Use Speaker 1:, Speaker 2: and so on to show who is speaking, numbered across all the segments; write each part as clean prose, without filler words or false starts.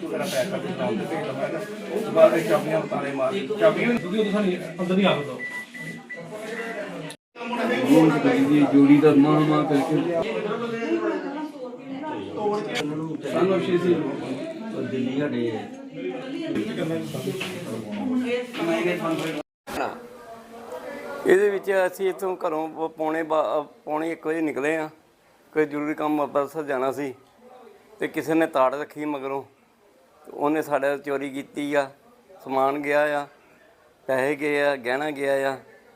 Speaker 1: वगैरह पैक करके दुकान पे भेज दूंगा ना। उसके बाद चाबियां ताले मार चाबियां क्योंकि उधर अंदर नहीं आ सकता जोड़ी का मां करके सानू शीशी दिल्ली हटे ਇਹਦੇ ਵਿੱਚ ਅਸੀਂ ਇੱਥੋਂ ਘਰੋਂ ਪੌਣੇ 1 ਵਜੇ ਨਿਕਲੇ ਹਾਂ। ਕੋਈ ਜ਼ਰੂਰੀ ਕੰਮ ਅੰਮ੍ਰਿਤਸਰ ਜਾਣਾ ਸੀ ਅਤੇ ਕਿਸੇ ਨੇ ਤਾੜ ਰੱਖੀ ਮਗਰੋਂ, ਉਹਨੇ ਸਾਡੇ ਚੋਰੀ ਕੀਤੀ ਆ। ਸਮਾਨ ਗਿਆ ਆ, ਪੈਸੇ ਗਏ ਆ, ਗਹਿਣਾ ਗਿਆ ਆ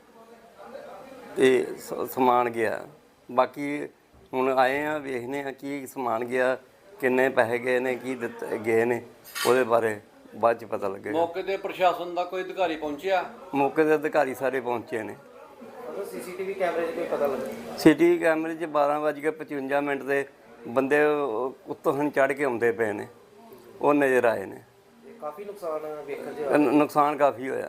Speaker 1: ਅਤੇ ਸਮਾਨ ਗਿਆ। ਬਾਕੀ ਹੁਣ ਆਏ ਆ, ਵੇਖਦੇ ਹਾਂ ਕੀ ਸਮਾਨ ਗਿਆ, ਕਿੰਨੇ ਪੈਸੇ ਗਏ ਨੇ, ਕੀ ਦਿੱਤੇ ਗਏ ਨੇ, ਉਹਦੇ ਬਾਰੇ ਬਾਅਦ 'ਚ ਪਤਾ ਲੱਗੇਗਾ।
Speaker 2: ਮੌਕੇ 'ਤੇ ਪ੍ਰਸ਼ਾਸਨ ਦਾ ਕੋਈ ਅਧਿਕਾਰੀ ਪਹੁੰਚਿਆ?
Speaker 1: ਮੌਕੇ 'ਤੇ ਅਧਿਕਾਰੀ ਸਾਰੇ ਪਹੁੰਚੇ ਨੇ।
Speaker 3: ਸੀਸੀਟੀਵੀ ਕੈਮਰੇ 'ਚ ਕੋਈ ਪਤਾ ਲੱਗਾ?
Speaker 1: ਸੀਟੀ ਕੈਮਰੇ 'ਚ 12:55 ਦੇ ਬੰਦੇ ਉੱਤੋਂ ਹੁਣ ਚੜ੍ਹ ਕੇ ਆਉਂਦੇ ਪਏ ਨੇ, ਉਹ ਨਜ਼ਰ ਆਏ ਨੇ।
Speaker 3: ਕਾਫੀ ਨੁਕਸਾਨ ਵੇਖਣ 'ਚ
Speaker 1: ਨੁਕਸਾਨ ਕਾਫੀ ਹੋਇਆ।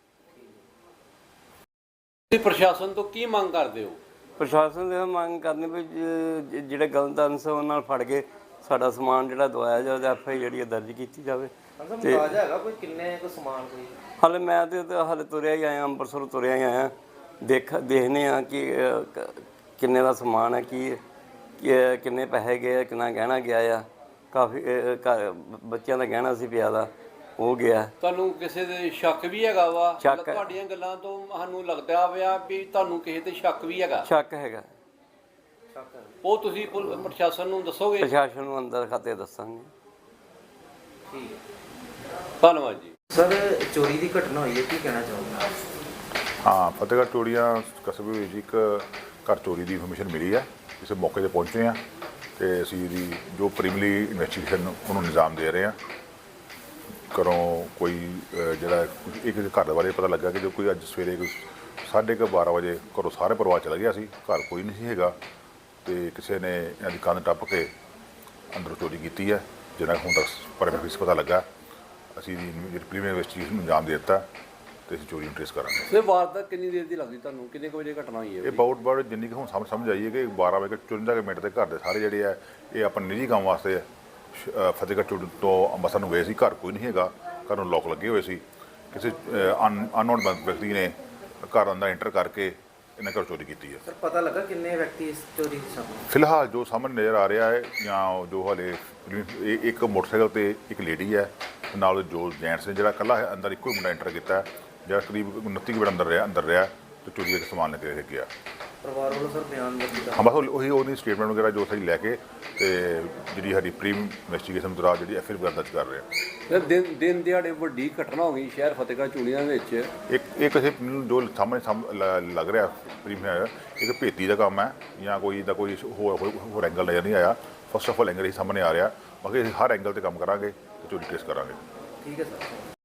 Speaker 2: ਤੁਸੀਂ ਪ੍ਰਸ਼ਾਸਨ ਤੋਂ ਕੀ ਮੰਗ ਕਰਦੇ ਹੋ?
Speaker 1: ਪ੍ਰਸ਼ਾਸਨ ਦੇ ਮੰਗ ਕਰਨੀ ਵੀ ਜਿਹੜੇ ਗਲਤ ਅਨਸਰ ਉਹਨਾਂ ਨਾਲ ਫੜ ਕੇ ਸਾਡਾ ਸਮਾਨ ਜਿਹੜਾ ਦਵਾਇਆ ਜਾਵੇ, FI ਜਿਹੜੀ ਦਰਜ ਕੀਤੀ ਜਾਵੇ।
Speaker 3: ਤੇ ਹੈਗਾ ਕੋਈ ਕਿੰਨੇ ਕੁ ਸਮਾਨ ਕੋਈ?
Speaker 1: ਹਾਲੇ ਮੈਂ ਤਾਂ ਹਾਲੇ ਤੁਰਿਆ ਹੀ ਆਇਆ, ਅੰਮ੍ਰਿਤਸਰ ਤੁਰਿਆ ਹੀ ਆਇਆ। ਦੇਖਦੇ ਹਾਂ ਕਿ ਕਿੰਨੇ ਦਾ ਸਮਾਨ ਹੈ, ਕਿੰਨੇ ਪੈਸੇ ਗਏ, ਕਿੰਨਾ ਗਹਿਣਾ ਗਿਆ ਆ। ਕਾਫੀ ਬੱਚਿਆਂ ਦਾ ਗਹਿਣਾ ਸੀ ਪਿਆ ਦਾ, ਉਹ ਗਿਆ।
Speaker 2: ਤੁਹਾਨੂੰ ਕਿਸੇ ਦੇ ਸ਼ੱਕ ਵੀ ਹੈਗਾ ਵਾ?
Speaker 1: ਸ਼ੱਕ
Speaker 2: ਤੁਹਾਡੀਆਂ ਗੱਲਾਂ ਤੋਂ ਸਾਨੂੰ ਲੱਗਦਾ ਪਿਆ ਵੀ ਤੁਹਾਨੂੰ ਕਿਸੇ ਤੇ ਸ਼ੱਕ ਵੀ ਹੈਗਾ।
Speaker 1: ਸ਼ੱਕ ਹੈਗਾ।
Speaker 2: ਉਹ ਤੁਸੀਂ ਪ੍ਰਸ਼ਾਸਨ ਨੂੰ ਦੱਸੋਗੇ?
Speaker 1: ਪ੍ਰਸ਼ਾਸਨ ਨੂੰ ਅੰਦਰ ਖਾਤੇ ਦੱਸਾਂਗੇ।
Speaker 3: ਠੀਕ ਹੈ,
Speaker 2: ਧੰਨਵਾਦ ਜੀ।
Speaker 3: ਸਰ ਚੋਰੀ ਦੀ ਘਟਨਾ ਹੋਈ ਹੈ, ਕੀ ਕਹਿਣਾ ਚਾਹੋਗੇ?
Speaker 4: ਹਾਂ, ਫਤਿਹਗੜ੍ਹ ਚੂੜੀਆਂ ਕਸਬੇ ਵਿੱਚ ਇੱਕ ਘਰ ਚੋਰੀ ਦੀ ਇਨਫੋਰਮੇਸ਼ਨ ਮਿਲੀ ਹੈ। ਇਸੇ ਮੌਕੇ 'ਤੇ ਪਹੁੰਚੇ ਹਾਂ ਅਤੇ ਅਸੀਂ ਇਹਦੀ ਜੋ ਪ੍ਰੀਮਿਨਰੀ ਇਨਵੈਸਟੀਗੇਸ਼ਨ ਉਹਨੂੰ ਨਿਜ਼ਾਮ ਦੇ ਰਹੇ ਹਾਂ। ਘਰੋਂ ਕੋਈ ਜਿਹੜਾ ਇੱਕ ਘਰ ਬਾਰੇ ਪਤਾ ਲੱਗਾ ਕਿ ਜੋ ਕੋਈ ਅੱਜ ਸਵੇਰੇ 12:30 ਵਜੇ ਘਰੋਂ ਸਾਰੇ ਪਰਿਵਾਰ ਚਲਾ ਗਿਆ ਸੀ, ਘਰ ਕੋਈ ਨਹੀਂ ਸੀ ਹੈਗਾ ਅਤੇ ਕਿਸੇ ਨੇ ਇਹਨਾਂ ਦੀ ਕੰਧ ਟੱਪ ਕੇ ਅੰਦਰੋਂ ਚੋਰੀ ਕੀਤੀ ਹੈ, ਜਿਹਨਾਂ ਹੁਣ ਤੱਕ ਪਰਮਿਟ ਪਤਾ ਲੱਗਾ। ਅਸੀਂ ਇਹਦੀ ਪ੍ਰੀਮਿਨਰੀ ਇਨਵੈਸਟੀਗੇਸ਼ਨ ਨੂੰ ਅੰਜਾਮ ਦੇ ਦਿੱਤਾ ਅਤੇ ਅਸੀਂ ਚੋਰੀ ਨੂੰ ਟ੍ਰੇਸ ਕਰਾਂਗੇ।
Speaker 2: ਇਹ ਵਾਰਦਾਤ ਕਿੰਨੀ ਦੇਰ ਦੀ ਲੱਗਦੀ ਤੁਹਾਨੂੰ? ਕਿੰਨੇ ਕੁ ਵਜੇ ਘਟਨਾ ਹੋਈ ਹੈ?
Speaker 4: ਇਹ ਬਾਊਟ ਜਿੰਨੀ ਕੁ ਹੁਣ ਸਮਝ ਆਈ ਹੈ ਕਿ 12:54 ਦੇ ਘਰ ਦੇ ਸਾਰੇ ਜਿਹੜੇ ਆ ਇਹ ਆਪਣੇ ਨਿੱਜੀ ਕੰਮ ਵਾਸਤੇ ਫਤਿਹਗੜ੍ਹ ਚੂੜ ਤੋਂ ਅੰਮ੍ਰਿਤਸਰ ਨੂੰ ਗਏ ਸੀ। ਘਰ ਕੋਈ ਨਹੀਂ ਹੈਗਾ, ਘਰ ਨੂੰ ਲੋਕ ਲੱਗੇ ਹੋਏ ਸੀ। ਕਿਸੇ ਅਨਨੋਨ ਵਿਅਕਤੀ ਨੇ ਘਰ ਅੰਦਰ ਐਂਟਰ ਕਰਕੇ ਇਹਨਾਂ ਘਰ ਚੋਰੀ ਕੀਤੀ ਹੈ।
Speaker 3: ਸਰ ਪਤਾ ਲੱਗਾ ਕਿੰਨੇ ਵਿਅਕਤੀ ਇਸ ਚੋਰੀ ਦੀ ਸ਼ਾਮਲ?
Speaker 4: ਫਿਲਹਾਲ ਜੋ ਸਾਹਮਣੇ ਨਜ਼ਰ ਆ ਰਿਹਾ ਹੈ ਜਾਂ ਜੋ ਹਾਲੇ ਇੱਕ ਮੋਟਰਸਾਈਕਲ 'ਤੇ ਇੱਕ ਲੇਡੀ ਹੈ, ਨਾਲ ਜੋ ਜੈਂਟਸ ਨੇ, ਜਿਹੜਾ ਇਕੱਲਾ ਅੰਦਰ ਇੱਕੋ ਹੀ ਮੁੰਡਾ ਐਂਟਰ ਕੀਤਾ, ਜਿਹੜਾ ਕਰੀਬ 29 ਮਿੰਟ ਅੰਦਰ ਰਿਹਾ ਅਤੇ ਚੋਰੀ ਦਾ ਸਮਾਨ ਲੈ ਕੇ ਗਿਆ।
Speaker 3: ਪਰਿਵਾਰ ਵੱਲੋਂ ਸਰ ਬਿਆਨ ਦਿੱਤਾ?
Speaker 4: ਹਾਂ, ਬਸ ਉਹਦੀ ਸਟੇਟਮੈਂਟ ਵਗੈਰਾ ਜੋ ਅਸੀਂ ਲੈ ਕੇ ਅਤੇ ਜਿਹੜੀ ਸਾਡੀ ਪ੍ਰੀ ਇਨਵੈਸਟੀਗੇਸ਼ਨ ਦੌਰਾਨ ਜਿਹੜੀ FIR ਵਗੈਰਾ ਦਰਜ ਕਰ ਰਹੇ ਹਾਂ।
Speaker 2: ਦਿਨ ਦਿਹਾੜੇ ਵੱਡੀ ਘਟਨਾ ਹੋ ਗਈ ਸ਼ਹਿਰ ਫਤਿਹਗੜ੍ਹ ਚੂੜੀਆਂ ਵਿੱਚ।
Speaker 4: ਇਹ ਕਿਸੇ ਜੋ ਸਾਹਮਣੇ ਲੱਗ ਰਿਹਾ ਇੱਕ ਭੇਤੀ ਦਾ ਕੰਮ ਹੈ ਜਾਂ ਕੋਈ ਦਾ ਕੋਈ ਹੋਰ ਐਂਗਲ ਨਜ਼ਰ ਨਹੀਂ ਆਇਆ। ਫਸਟ ਆਫ ਆਲ ਐਂਗਲ ਹੀ ਸਾਹਮਣੇ ਆ ਰਿਹਾ, ਬਾਕੀ ਅਸੀਂ ਹਰ ਐਂਗਲ 'ਤੇ ਕੰਮ ਕਰਾਂਗੇ ਅਤੇ ਚੋਰੀ ਟ੍ਰੇਸ ਕਰਾਂਗੇ।
Speaker 3: ਠੀਕ ਹੈ ਸਰ।